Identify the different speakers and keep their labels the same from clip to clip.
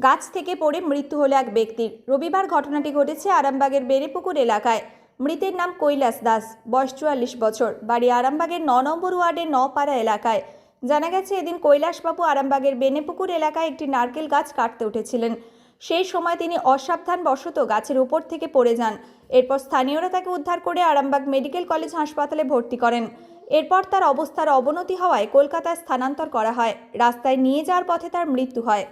Speaker 1: গাছ থেকে পড়ে মৃত্যু হলো এক ব্যক্তির। রবিবার ঘটনাটি ঘটেছে আরামবাগের বেড়েপুকুর এলাকায়। মৃতের নাম কৈলাস দাস, বয়স 44 বছর, বাড়ি আরামবাগের 9 নম্বর ওয়ার্ডের নপাড়া এলাকায়। জানা গেছে এদিন কৈলাসবাবু আরামবাগের বেড়েপুকুর এলাকায় একটি নারকেল গাছ কাটতে উঠেছিলেন। সেই সময় তিনি অসাবধানবশত গাছের উপর থেকে পড়ে যান। এরপর স্থানীয়রা তাকে উদ্ধার করে আরামবাগ মেডিকেল কলেজ হাসপাতালে ভর্তি করেন। এরপর তার অবস্থার অবনতি হওয়ায় কলকাতায় স্থানান্তর করা হয়। রাস্তায় নিয়ে যাওয়ার পথে তার মৃত্যু হয়।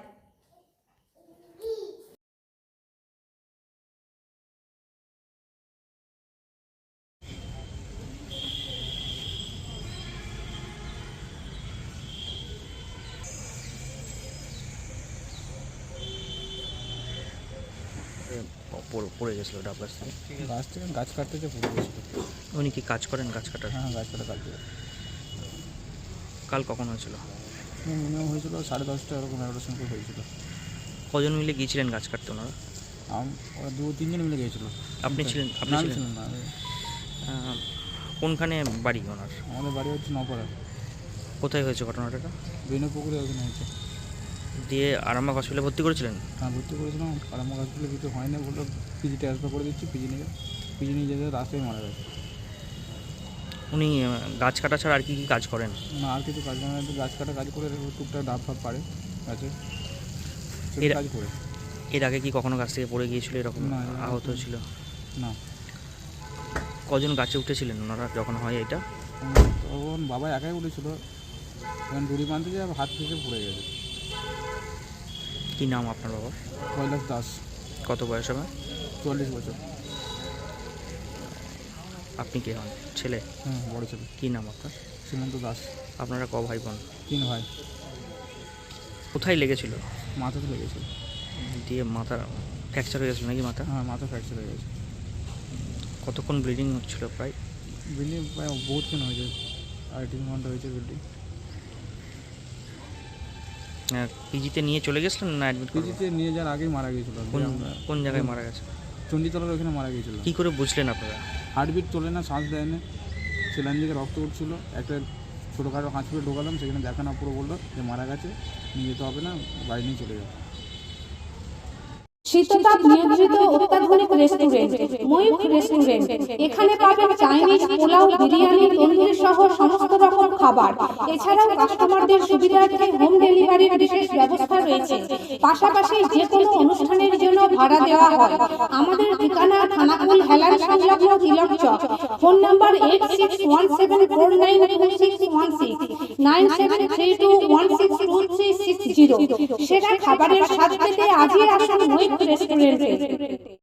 Speaker 2: পড়ে গেছিল ডাব গাছ থেকে।
Speaker 3: গাছ কাটতে যে পড়ে গেছিল।
Speaker 2: উনি কি কাজ করেন গাছ কাটার?
Speaker 3: হ্যাঁ, গাছ কাটা কাটতে
Speaker 2: কাল কখন হয়েছিল?
Speaker 3: মিনিমাম হয়েছিল 10:30 এরকম 11টার সময় হয়েছিল।
Speaker 2: কজন মিলে গিয়েছিলেন গাছ কাটতে ওনারা?
Speaker 3: ওরা 2-3 জন মিলে গিয়েছিল।
Speaker 2: আপনি ছিলেন? আপনি ছিলেন
Speaker 3: না,
Speaker 2: কোনখানে বাড়ি ওনার?
Speaker 3: আমাদের বাড়ি হচ্ছে নপাড়া।
Speaker 2: কোথায় হয়েছে ঘটনাটা?
Speaker 3: বেনেপুকুরে ওখানে হয়েছে।
Speaker 2: দিয়ে আরামবাগ হসপিটালে ভর্তি করেছিলেন?
Speaker 3: হ্যাঁ, ভর্তি করেছিলাম। আরামবাগ হসপিটালে কিছু হয়নি, বললো পিজি ট্রান্সফার করে দিচ্ছি। পিজি নিয়ে যেতে রাস্তায় মারা গেছে।
Speaker 2: উনি গাছ কাটা ছাড়া আর কি কি কাজ করেন?
Speaker 3: না, আর কিছু কাজ করে না, গাছ কাটা কাজ করে টুকটাক ডাব ফাব পারে গাছে কাজ করে।
Speaker 2: এর আগে কি কখনো গাছ থেকে পড়ে গিয়েছিল এরকম?
Speaker 3: না,
Speaker 2: আহত ছিল
Speaker 3: না।
Speaker 2: কজন গাছে উঠেছিলেন ওনারা যখন হয় এটা?
Speaker 3: তখন বাবা একাই উঠেছিল, তখন দড়ি বাঁধতে যে হাত থেকে পড়ে গেছে।
Speaker 2: কি নাম আপনার বাবার?
Speaker 3: কৈলাস দাস।
Speaker 2: কত বয়স হবে?
Speaker 3: 44 বছর।
Speaker 2: আপনি কে হন? ছেলে?
Speaker 3: হ্যাঁ, বড় ছেলে।
Speaker 2: কি নাম আপনার?
Speaker 3: শ্রীমন্ত দাস।
Speaker 2: আপনারা ক ভাই বোন?
Speaker 3: 3 ভাই।
Speaker 2: কোথায় লেগেছিল?
Speaker 3: মাথাতে লেগেছিল।
Speaker 2: দিয়ে মাথা ফ্র্যাকচার হয়ে গেছিল নাকি মাথা?
Speaker 3: হ্যাঁ, মাথা ফ্র্যাকচার হয়ে গেছে।
Speaker 2: কতক্ষণ ব্লিডিং হচ্ছিল প্রায়?
Speaker 3: বিল্ডিং প্রায় বহুতক্ষণ হয়েছে, 2.5-3 ঘন্টা হয়েছে বিল্ডিং।
Speaker 2: পিজিতে নিয়ে চলে গেছিলেন না অ্যাডমিট?
Speaker 3: পিজিতে নিয়ে যাওয়ার আগেই মারা গিয়েছিল।
Speaker 2: কোন জায়গায় মারা গেছে?
Speaker 3: চণ্ডীতলার ওখানে মারা গিয়েছিল।
Speaker 2: কী করে বুঝলেন আপনারা?
Speaker 3: হার্টবিট চলে না, শ্বাস দেয় না, সেলাইন থেকে রক্ত উঠছিল। একটা ছোটোখাটো হসপিটালে ঢোকালাম, সেখানে দেখানো পুরো বললো যে মারা গেছে, নিয়ে যেতে হবে না, বাড়ি নিয়ে চলে যাবে।
Speaker 4: শীততাপ নিয়ন্ত্রিত অত্যাধুনিক রেস্টুরেন্ট ময়ূখ রেস্টুরেন্ট। এখানে পাবেন চাইনিজ, পোলাও, বিরিয়ানি, তন্দুরি সহ সমস্ত রকম খাবার। এছাড়াও কাস্টমারদের সুবিধার্থে হোম ডেলিভারির বিশেষ ব্যবস্থা রয়েছে। পাশাপাশি যে কোনো অনুষ্ঠানের জন্য ভাড়া দেওয়া হয়। আমাদের ঠিকানা খানাকুল হেলান সংলগ্ন তিলক চক। Phone number 8617492616, 9732162360। সেরা খাবারের স্বাদ পেতে আজই আসুন ময়ূখ রেস্টুরেন্টে।